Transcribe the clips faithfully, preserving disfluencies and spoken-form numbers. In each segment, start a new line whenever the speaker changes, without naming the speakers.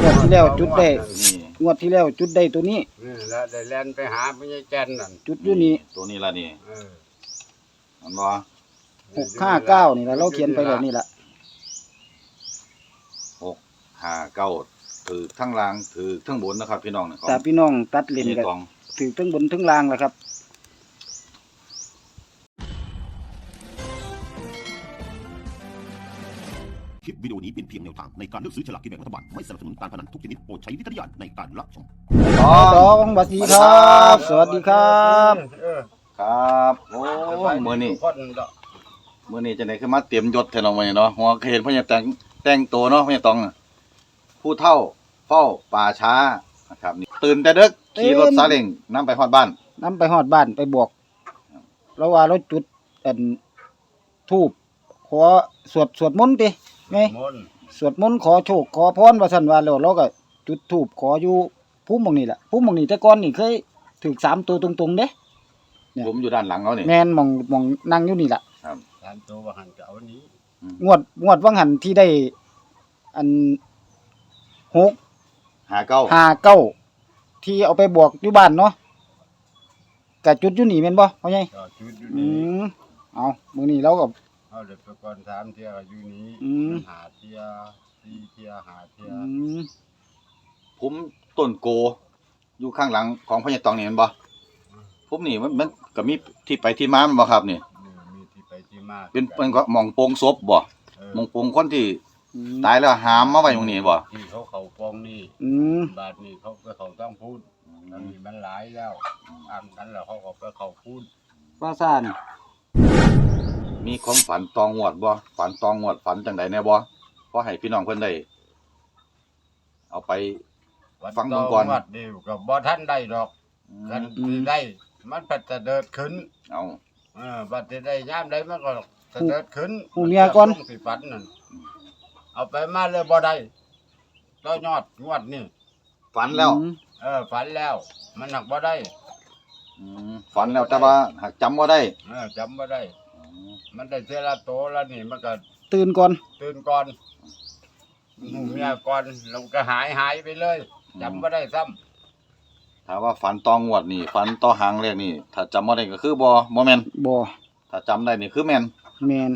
วดที่แล้วจุดได้
นี่
งวดที่แล้วจุดได้ตัวนี้
นี่แล้วได้แล่นไปหาพญาแก่นนั่น
จุดอยู่นี่
ตัวนี้ละนี่
เออ
มันบ่
หกห้าเก้านี่ละเราเขียนไปแบบนี้ละ
หกห้าเก้าถือทั้งล่างถือทั้งบนนะครับพี่น้องนะครับ
แต่พี่น้องตัดเลน
นี่
กัน
ตอง
ถือทั้งบนทั้งล่างแหละครับ
คลิปวิดีโอนี้เป็นเพียงแนวทางในการเลือกซื้อฉลากกินแบ่งรัฐบาลไม่สนับสนุนการพนันทุกชนิดโปรดใช้วิจารณญาณในการรับชม
ตอ
ตอง งสวัสดีครับ สวัสดีครับ
เออ
ครับโอ้มื้อนี้
ทุกคนดอก
มื้อนี้จังได๋คือมาเตรียมยศแท้เนาะมื้อนี้เนาะหัวเห็นเพิ่นจะแต่งแต่งตัวเนาะเพิ่นจะต้องผู้เฒ่าเฝ้าป่าช้านะครับนี่ตื่นแต่ดึกขี่รถซาเล้งนำไปฮอดบ้าน
นำไปฮอดบ้านไปบอกเราว่าเราจุดอันทูบขอสวดสวดมนต์ติไง
มนต์
สวดมนต์ขอโชคขอพรว่าซั่นว่าแล้วเราก็จุดธูปขออยู่ภูมิหม่องนี้ล่ะภูมิหม่องนี้แต่ก่อนนี่เคยถูกสามตัวตรงๆเด้ เนี่ย
ผมอยู่ด้านหลังเขานี่
แม่นหม่องหม่องนั่งอยู่นี่ล่ะ
สามตัวว่าหันก็เอาอันนี้
งวดงวดวังหันที่ได้อันหก
ห้าเก้า
ห้าเก้าที่เอาไปบวกอยู่บ้านเนาะกะจุดอยู่นี่แม่นบ่พ่อใหญ่
ก็จุดอยู่
อื
นี่
มเอามื้อนี้เราก็
เอาเด็กไปก่อนสามเที่ยอยู่นี้
อืม
หาเที่ยสี่เที่ยหาเที่ย
อืม
ผมต้นโกอยู่ข้างหลังของพญาตองนี่แม่นบ่ผมนี่มันมันก็มีที่ไปที่มาแม่นบ่ครับนี่
นี่มีที่ไปที่มา
เป็นเป็นก็หม่องโปงศพบ่
เออ
หม่องโปงคนที่
อืม
ตายแล้วหามมาไว้ตรงนี้บ่
ที่เขาเขาฟองนี่
อืม
บาทนี่เขาไปเขาต้องพูดมันมีมันหลายแล้วอ่านกันแล้วเขาก็ไปเขาพูด
ว่าซ่าน
มีของฝันตองงวดบ่ฝันตองงวดฝันจังไดแน่บ่พอให้พี่น้องเพิ่นได้เอาไป
วัด
ฟังเบิ่งก่อน
วัดเดียวกับบ่ท่านได้ดอก
อื
กัน
ม
ที่ได้ มันปัดจะเดินขึ้น
เอา
เออบัดที่ได้ย่ามได้มันก็จะเดินขึ้น
หูเมียก่อน
สิฝันนั่นเอาไปมาเลยบ่ได้ก็ยอดงวดนี่
ฝันแล้ว
อืม
เออฝันแล้ว มันหนักบ่ได้
อืมฝันแล้วแต่ว่าหากจำบ่ได้
เออจำบ่ได้
อืม
มันได้เทอละโตแล้วนี่มันก็
ตื่นก่อน
ตื่นก่อนหูเมียก่อนแล้วก็หายหายไปเลยจำบ่ได้ซ้ำ
ถ้าว่าฝันตองงวดนี่ฝันต่อหางเลขนี่ถ้าจำบ่ได้ก็คือบ่บ่แม่น
บ่
ถ้าจำได้นี่คือแม่น
แม่น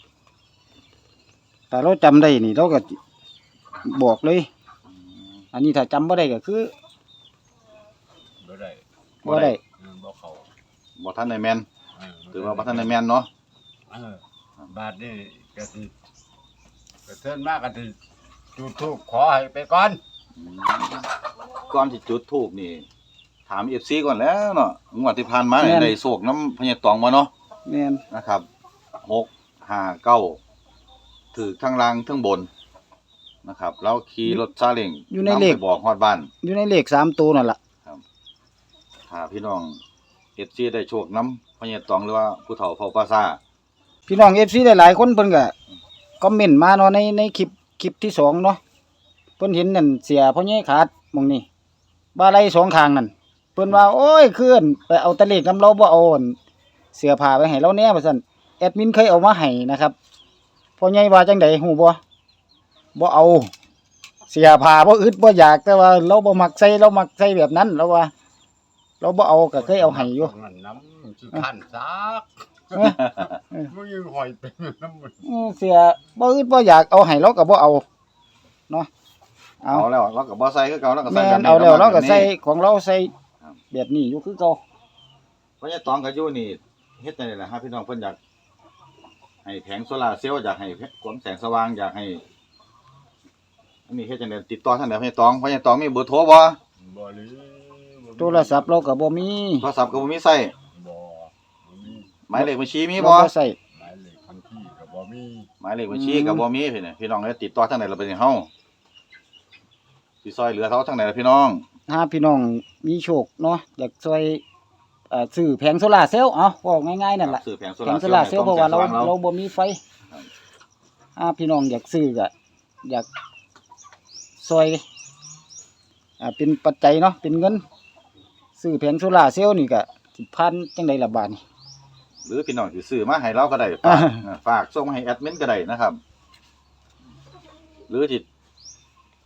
แต่เราจำได้นี่เราก็บอกเลย อันนี้ถ้าจำบ่ได้ก็คือ
บ่ได้
บ่ได้
เออบ่เข้า
บ่ทันได้แม่น
เออ
ถือว่าบ่ทันได้แม่นเนาะ
เออบาดนี้ก็สิก็เทินมากก็สิจุดธูปขอให้ไปก่อน
อืมก่อนที่จุดธูปนี่ ถาม เอฟ ซี ก่อนแล้วเนาะงวดที่ผ่านมานี่ได้โชคน้ำพญาตองบ่เนาะ
แม่น
นะครับหก ห้า เก้าถือทั้งล่างทั้งบนนะครับแล้วขี่รถซาเล้ง
อยู่ในเลข
ำไปบอกฮอดบ้าน
อยู่ในเลขสามตัวนั่นล่ะ
ถ้าพี่น้อง เอฟ ซี ได้โชคน้ำพญาตองหรือว่าผู้เฒ่าเฝ้าป่าซ่า
พี่น้อง เอฟ ซี หลายๆคนเพิ่นก็คอมเมนต์มาเนาะในในคลิปคลิปที่สองเนาะเพิ่นเห็นนั่นเสียพ่อใหญ่ขาดหม่องนี้บาไหลสองข้างนั่นเพิ่นว่าโอ้ยคืนไปเอาตะเลขนำเราบ่เอาอั่นเสื้อผ้าไปให้เราแหน่ว่าซั่นแอดมินเคยเอามาให้นะครับพ่อใหญ่ว่าจังได๋ฮู้บ่บ่เอาเสื้อผ้าบ่อึดบ่อยากแต่ว่าเราบ่มักใส่เรามักใส่แบบนั้นเราว่า เราบ่เอาก็เคยเอาให้อยู่
ตรงนั้นน้ำสิคันซัก
เออเออ
มึงยังหอยเป็นน้ำมัน
อือเสียบ่อึดบ่อยากเอาให้เราก็บ่เอาเนาะเอา
เอาแล้วเราก็บ่ใส่คือเก่าเราก็ใส่
แม่
แบบ
น
นี้
เอาแล้วเราก็
แบบนี้
ใส่ของเราใส่
ครับ
แบบนี้อยู่คือเก่า
พญาตองก็อยู่นี่เฮ็ดจังได๋ล่ะฮะพี่น้องเพิ่นอยากให้แผงโซล่าร์เซลล์อยากให้ความแสงสว่างอยากให้อันนี้เฮ็ดจังได๋ติดต่อทางใดพญาตองพญาตองมีเบอร์โทรบ่
บ่หรือ
โทรศัพท์เราก็บ่มี
โทรศัพท์ก็บ่มีใช้
บ่บ่มี
หมายเลขบัญชีมี
เรา
บ่
บ่ใส่
หมายเลขบัญชีก็บ่มี
หมายเลขบัญชีก็บ่มีพี่นี่พี่น้องเอ้ยติดต่อทางใดล่ะเป็นเฮาสิซอยเหลือเขาทางใดล่ะพี่น้อง
ถ้าพี่น้องมีโชคเนาะอยากช่วยเอ่อซื้อแผงโซล่าร์เซลล์เอาเว้าง่ายๆนั่นล่ะ
ซื้อแผงโซ
แผ
ลาง ร์
โซ
เซลล์
ล่าร์เซลล์เพราะว่าเรา
ให้ต้องแสงส
เรา
ง
บ่มีไฟ
ครับ
ถ้าพี่น้องอยากซื้อก็อยากช่วยอ่าเป็นปัจจัยเนาะเป็นเงินซื้อแผงโซล่าร์เซลล์นี่ก็สิพันจังได๋ล่ะบาดนี้
หรือพี่น้องสิซื้อมาให้เราก็ได้ฝาก
อ่า
เออฝากส่งมาให้แอดมินก็ได้นะครับ หรือสิ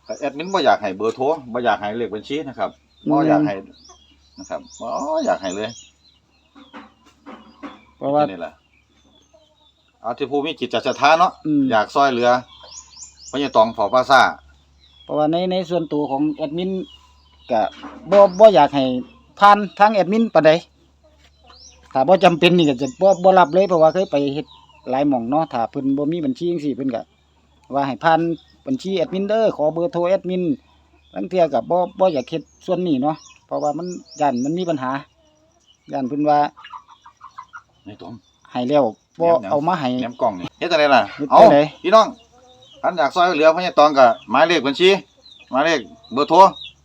แต่แอดมินบ่อยากให้เบอร์โทรบ่อยากให้เลขบัญชีนะครับบ่อยากให้นะครับบ่อยากให้เลย
เพราะว่า
นี่แหละเอาที่ผู้มีจิตศรัทธาเนาะ
อืม
อยากซอยเหลือพญาตองเผาปลาซ่า
เพราะว่าในในส่วนตัวของแอดมินก็บ่บ่อยากให้ผ่านทางแอดมินปานใดถ้าบ่จำเป็นนี่ก็จะบ่บ่รับเลยเพราะว่าเคยไปเฮ็ดหลายหม่องเนาะถ้าเพิ่นบ่มีบัญชีจังซี่เพิ่นก็ว่าให้ผ่านบัญชีแอดมินเด้อขอเบอร์โทรแอดมินลางเทื่อก็บ่บ่อยากเฮ็ดส่วนนี้เนาะเพราะว่ามันย่านมันมีปัญหาย่านเพิ่นว่า
ในตอง
ให้แล้วบ่
แหนมๆ
เอามาให้
แหนมกล่องนี่เฮ็ดจังไดล่ะ
เฮ็ดจั
เอา
งได๋
พี่น้องท่านอยากซอยเหลือพญาตองก็หมายเลขบัญชีหมายเลขเบอร์โทร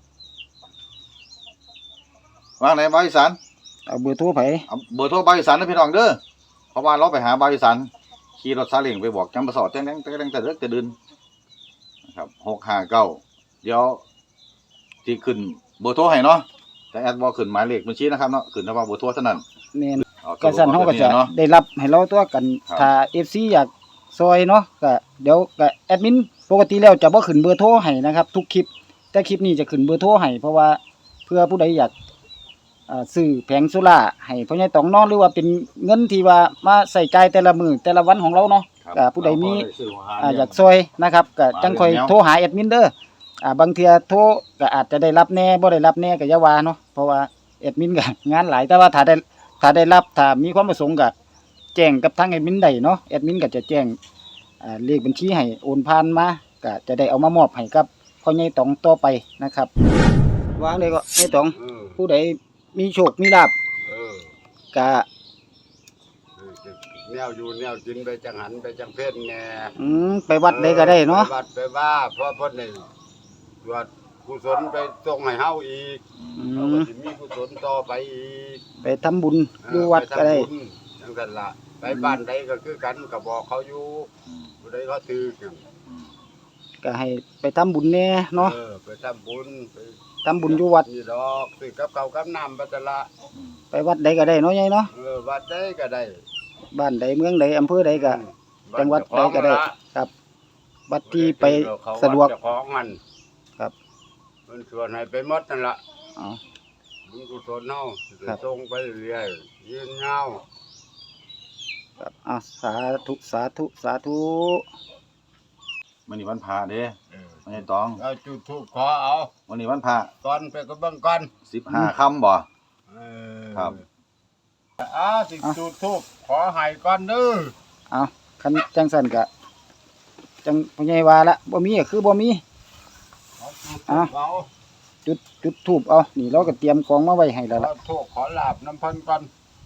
วางไหนบาวอีสาน
เอาเบอร์โทรไผ
เอาเบอร์โทรบาวอีสานเด้อพี่น้องเด้อเพราะว่าเราไปหาบาวอีสานขี่รถซาเล้งไปบอกจำปาสอดแจ้งๆแต่ๆแต่เลิกแต่ดื่นนะครับหกห้าเก้าเดี๋ยวที่ขึ้นเบอร์โทรให้เนาะแต่แอดบ่ขึ้นหมายเลขบัญชีนะครับเนาะขึ้นเฉพาะเบอร์โทรเท่านั้น
แม่น
เอา
ก็สั่นเฮาก็จะ
เนาะ
ได้รับให้เราตัวกัน
ครับ
ถ้า เอฟ ซี อยากซอยเนาะก็เดี๋ยวก็แอดมินปกติแล้วจะบ่ขึ้นเบอร์โทรให้นะครับ ทุกคลิป แต่คลิปนี้จะขึ้นเบอร์โทรให้เพราะว่าเพื่อผู้ใดอยากอ่าซื้อแผงโซล่าร์ให้พ่อใหญ่ตองเนาะหรือว่าเป็นเงินที่ว่ามาใส่จ่ายแต่ละมื้อแต่ละวันของเราเนาะ
ครับ
ก็ผู้ใดมี
เราก็ได้ซื้อหัวหา
อ่า
เนี่
อยากซอยนะครับก็จังค่อย
มาเรื่องแนว
โทรหาแอดมินเด้ออ่าบางเทื่อโทรก็อาจจะได้รับแหน่บ่ได้รับแหน่ก็อย่าว่าเนาะเพราะว่าแอดมินก็ งานหลายแต่ว่าถ้าได้ถ้าได้รับถ้ามีความประสงค์ก็แจ้งกับทางแอดมินได้เนาะแอดมินก็จะแจ้งอ่าเลขบัญชีให้โอนผ่านมาก็จะได้เอามามอบให้กับพ่อใหญ่ตองต่อไปนะครับวางเลยก็ใหญ่ตอง
เออ
ผู้ใดมีโชคมีลาภ
เออ
ก็
เออแนวอยู่แนวกินไปจังหันไปจังเพศแน่
อืมไปวัดใดก็ได้เนาะ
ไปวัดไปว่าเพราะเพิ่นนี่ตรวจกุศลไปส่งให้เฮาอีก
อื
เราก็
ม
สิมีกุศลต่อไปอีก
ไปทำบุญอยู่วัดก็ได้
ปทำบุญจังซั่นล่ะไปบ้านใดก็คือกันก็บอกเขาอยู่
อืม
ผู้ใดเขาถือกัน
อืม
ก็ให้ไปทำบุญแน่เนาะ
เออไปทำบุญไป
ทำบุญอยู่วัด
นี่ดอกซื้อกับข้าวกับน้ำไปตะละ
อืม
ไปวัดใดก็ได้เนาะใหญ่เนาะ
เออวัดใดก็ได้
บ้านใดเมืองใดอำเภอใดก็ จังหวัดใดก็ได้ ครับวัดที่ไปสะดวก
เจ้าของมัน
ครับ
มันชวนให้ไปหมดนั่นล่ะ
อ๋อ
บุญกุศลเฮา
ครับ
ส่งไปเรื่อยๆยืนยาว
ครับอ่ะสาธุสาธุสาธุ
วันนี้วันพระเด้
เออ
พญาตอง
เอาจุดธูปขอเอา
วันนี้วันพระ
ตอนไปก็เบิ่งก่อน
สิบห้าค่ำบ่
เออ
ครับ
อ่าสิจุดธูปขอให้ก่อนเด้อ
เอาคันจังสั่นก็จังพ่อใหญ่ว่าละบ่มีก็คือบ่มี
เอาจุด
อ่ะ
ธูปเอา
จุดจุดธูปเอานี่เราก็เตรียมของมาไว้ให้แล้ว
ข
ล่ะ
อโทษขอลาบน้ำเพันก่อน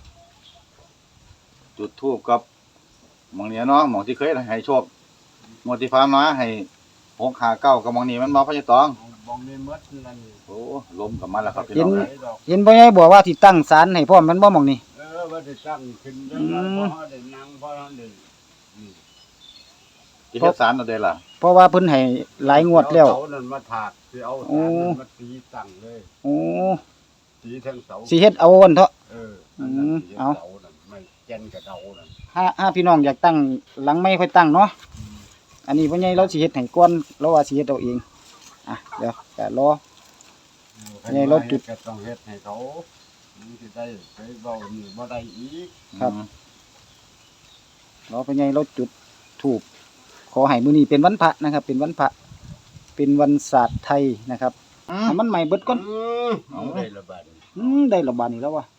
จุดธูปกับหมองเนี้ยเนาะหมองที่เคยให้โชคงวดที่ผ่านมาให้หกห้าเก้ากับหมองนี้มันมาพญาตอง
บองนี่หมดนั่น
โอ้ลมกับมันแล้วครับพี่น้อง
ไห
เอ้ย
ดอก
เห็นพ่อใหญ่บอกว่าที่ตั้งศาลให้พร้อมมันบ่หม่องนี่
เออว่าได้ตั้งขึ้นจัง
อื
นั้น
ม
พอได้นั่งพอได้อืม
ที่เฮ็ดสารเอาเด้ล่ะ
เพราะว่าเพิ่นให้หลายงวดแล้ว
เอาเสานั่นมาถากสิเอา
โอ้
สารนั่นมาตีตั้งเลย
โอ้
ตีทั้งเสา
สิเฮ็ดเอาอันเถาะ
เออ
อืม
นั่นน่ะตี
เอา
เสานั่นไม่แก่นกับเสานั่น
ถ้าถ้าพี่น้องอยากตั้งหลังไม่ค่อยตั้งเนาะอันนี้พ่อใหญ่เราสิเฮ็ดให้ก่อนเราว่าสิเฮ็ดเอาเองอ่ะเดี๋ยวก็รอ ไงรถจุด
ก็ต้องเฮ็ดให้เขามันสิได้ไปเว้านี่บ่ได้อีก
ครับ
อืม
รอพ่อใหญ่เราจุดธูปขอให้มื้อนี้เป็นวันพระนะครับ เป็นวันพระเป็นวันศาสตร์ไทยนะครับ
อืม
ให้มันใหม่เบิดก่อน
อืมเอาได้ละบาดนี้
อืมได้ระบาดนี้แล้ววะ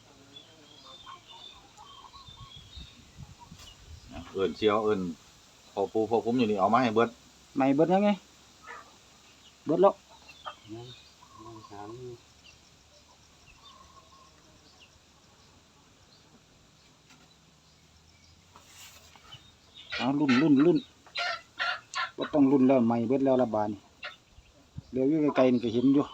เอิ้นเชียวเอิ้นพอปูพอผมอยู่นี่เอามาให้เบิด
ใหม่เบิดยังไงเบิดแล้ว
ยังถาม
เอารุ่นรุ่นรุ่นบ่ต้องรุ่นแล้วใหม่เบิดแล้วระบาดนี่เดี๋ยวอยู่ไกลๆนี่ก็เห็นอยู่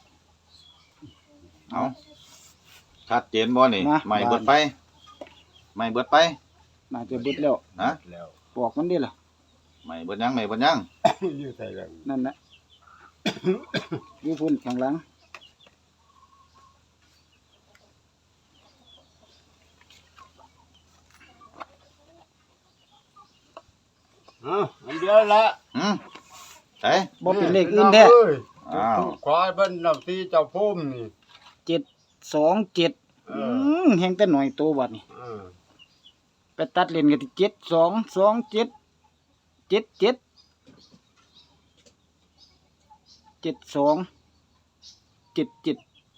เอาชัดเจนบ่นี่
มา
ไม่เบิดไปไม่เบิดไป
น่าจะเบิดแล้ว
นะ
แล้ว
บอกมันดิล่ะ
ไม่เบิดยังไม่เบิดยัง
อยู่ใส่แล้ว
นั่นนะ อยู่พุ่นข้างหลัง
เอ้าอันเดียวละ
อืมเอ้ย
บ่เป็นเลขอื่นแท้
อ้าว
ขอให้เพิ่นนำที่เจ้าพุ่มนี่
เจ็ดสองเจ็ด
เอ
อื
อ
มแฮงแต่หน่อยโตบัดนี่
เออ
ไปตัดเล่นกันที่เจ็ดสองสองเจ็ดเจ็ดเจ็ดเจ็ดสองเจ็ดเจ็ด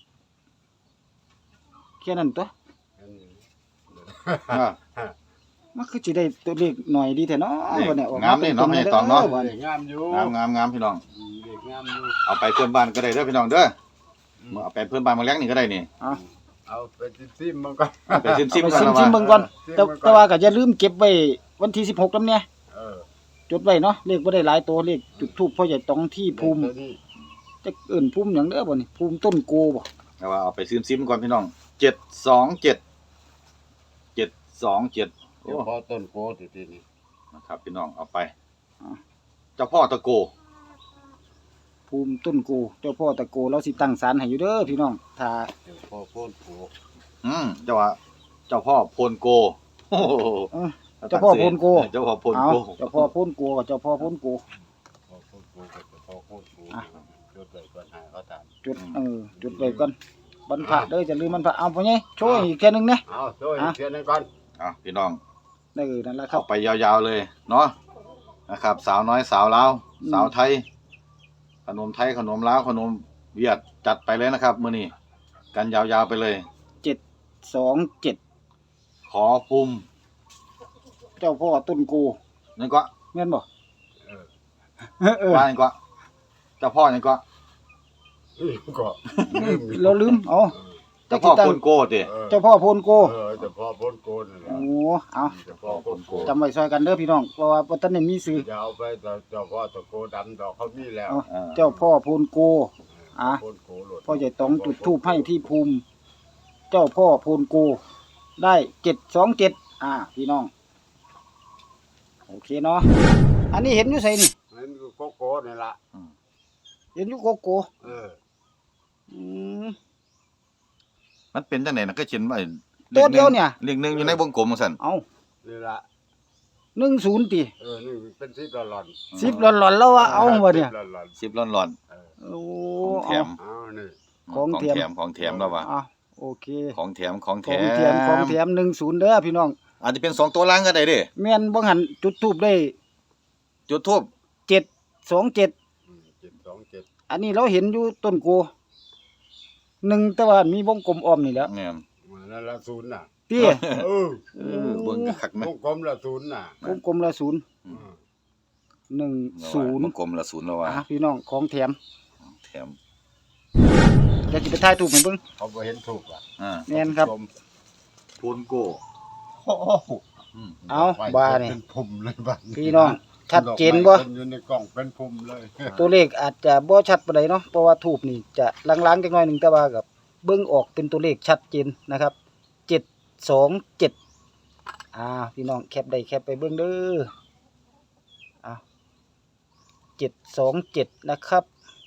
แค่นั้นตัว
อ่า
มันคือสิได้ตัวเลขหน่อยดีแท้เนาะ
นี่
บัดนี้ออก
งามนี่เนาะ
ตรงๆ
ไม่ต้องเนาะ
ด้บัด
เด็กงามอยู่
งามงามงามพี่น้อง
เด็กงามอยู่
เอาไปเพื่อนบ้านก็ได้เด้อพี่น้องเด้อเอาไปเพื่อนบ้านมาเลี้ยงนี่ก็ได้นี่
เอา
เอาไปซิมๆมันก่อน
เอาไปซิมซิม
ไป
กัน
ซิม
แล้ว
ซิม
ว่า
เบิ่งก่อน
ซิม
แต่
เบิ่งก่อน
แต่ว่าก็อย่าลืมเก็บไว้วันที่สิบหกนำเนี่ย
เออ
จดไว้เนาะเลขบ่ได้หลายตัวเลขจุดทูปพ่อใหญ่ตองที่ภูมิ
เดี๋ยวนี้
จะเอิ้นภูมิหยังเด้อบ่นี่ภูมิต้นโกบ่
แต่ว่าเอาไปซิมซิมก่อนพี่น้องเจ็ดสองเจ็ดเจ็ดสองเจ็ด
เดี๋ยวพอต้นโพติทีนี้
นะครับพี่น้องเอาไปเจ้าพ่อตะโก
ภูมิต้นโกเจ้าพ่อตะโกเราสิตั้งศาลให้อยู่เด้อพี่น้องถ้า
เดี๋ยวพอโพ้นโพ
อืมเจ้าว่าเจ้าพ่อโพนโกโอ้โห
เออ เจ้าพ่อโพนโก
เจ้าพ่อโพน
เอา
โก
เจ้าพ่อโพนโกกับเจ้าพ่อโพนโก
พอโพ้นโพก็จะพอโพ้นโพ
อ่ะ
จดไว้ก่อนให้เขาตาม
จุดเออจุดไว้ก่อนบรรพระเด้อจะลืมบรรพระเอาพ่อใหญ่โชว์อีกแค่นึงนะ
เอาช่วย
อ่ะ
เขียนให้ก่อน
อ่ะพี่น้อง
เออนั่นแหละครั
เอา
บ
ไปยาวๆเลยเนาะนะครับ สาวน้อยสาวลาว
อืม
สาวไทย ขนมไทยขนมลาวขนมเวียดจัดไปเลยนะครับมื้อนี้กันยาวๆไปเลย
เจ็ดสองเจ็ด
ขอปุ่ม
เจ้าพ่อต้นโก
นั่นก็
แม่นบ่
เออ
เออ
ว่านั่นก็เจ้าพ่อนั่นก็
นี่ก็ลืมอีก
เราลืมเอา
เจ้าพ่อโพนโกติ
เออ
เจ้าพ่อโพนโก
เออแต่พอพ้นโกนนั่นแหละ
โอ้เอา
แต่พอพ้นโกน
จำไว้ซอยกันเด้อพี่น้องเพราะว่าบ่ทันได้มีสื่อ
อย่าเอาไปแต่เจ้าพ่อตะโกดำดอกเขามีแล้ว
เอา
เออ
เจ้าพ่อโพนโก อ่ะ
พ้นโกหลด
พ่อใหญ่ตองจุดธูปให้ที่ภูมิ เจ้าพ่อโพนโก ได้เจ็ดสองเจ็ดอ่า พี่น้อง โอเคเนาะอันนี้เห็นอยู่ไสนี่
นั่นคือโกโกนี่ละ
เห็นอยู่โกโก
เออ
อืม
มันเป็นจังได๋น่ะก็เขียนไว้
ตัวเดียวเนี่ย
เลขหนึ่งอยู่ในวงกลมจังซั่น
เอา
นี่ละ
หนึ่งศูนย์ตี
เออนี่เป็นสิบหลอน
สิบหลอนๆแล้วว่าเอาวะเนี่ย
สิบหลอน
สิบร้อน
ๆเออ
โอ้
ของแถ
เอา
ม
เอานี่
ๆ
ของแถม
ของแถมแล้วว่ะ
อ่ะโอเค
ของแถมของแถ
ของ
ม
แถมของแถมหนึ่งศูนย์เด้อพี่น้อง
อาจจะเป็นสองตัวล่างก็ได้เด้
แม่นบ่หันจุดทูบได้
จุดทูบ
เจ็ดสองเจ็ด
อืมเจ็ดสองเจ็ด
อันนี้เราเห็นอยู่ต้นโกหนึ่งแต่ว่ามีวงกลมอ้อมนี่แหล้ว
เนี่ย
มาแล้วละศูนย์น่ะ
พี่
เออ
เออเบิ่งคักๆไหม
วงกลมละศูนย์น่ะ
วงกลมละศูนย์
อืม
หนึ่งศูนย์
วงกลมละศูนย์แล้วว่ะ
อ่ะพี่น้องของแถม
แถม
เดี๋ยวสิไปถ่ายรูปให้เบิ่ง
เขาบ่เห็นถูกอ่ะ
อ่า
แม่นครับ
โพนโก
โอ้โห
อืม
เอาบ้านี่
เป็นพุ่มเลยบ้าน
พี่น้องชัดเจนบ่
ดอกไม้พิ่อยู่ในกล่องเป็นพุ่มเลย
ตัวเลขอาจจะบ่ชัดปานใดเนาะเพราะว่าทูบนี่จะลางๆจักหน่อยหนึงแต่ว่ากับเบิ่งออกเป็นตัวเลขชัดเจนนะครับเจ็ดสองเจ็ดอ่าพี่น้องแคปได้แคปไปเบิ่งเด้ออ่ะเจ็ดสองเจ็ดนะครับ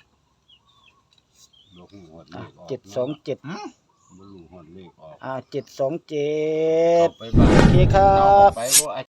ลูกหัวเล
อ่ะ
ขออก
เจ็ดสองเจ็ด
อืม
บ่รู้หัวเลขออก
อ่าเจ็ดสองเจ็ด
เอาไปบ้าน
โอเคครับ
เอาไปบ่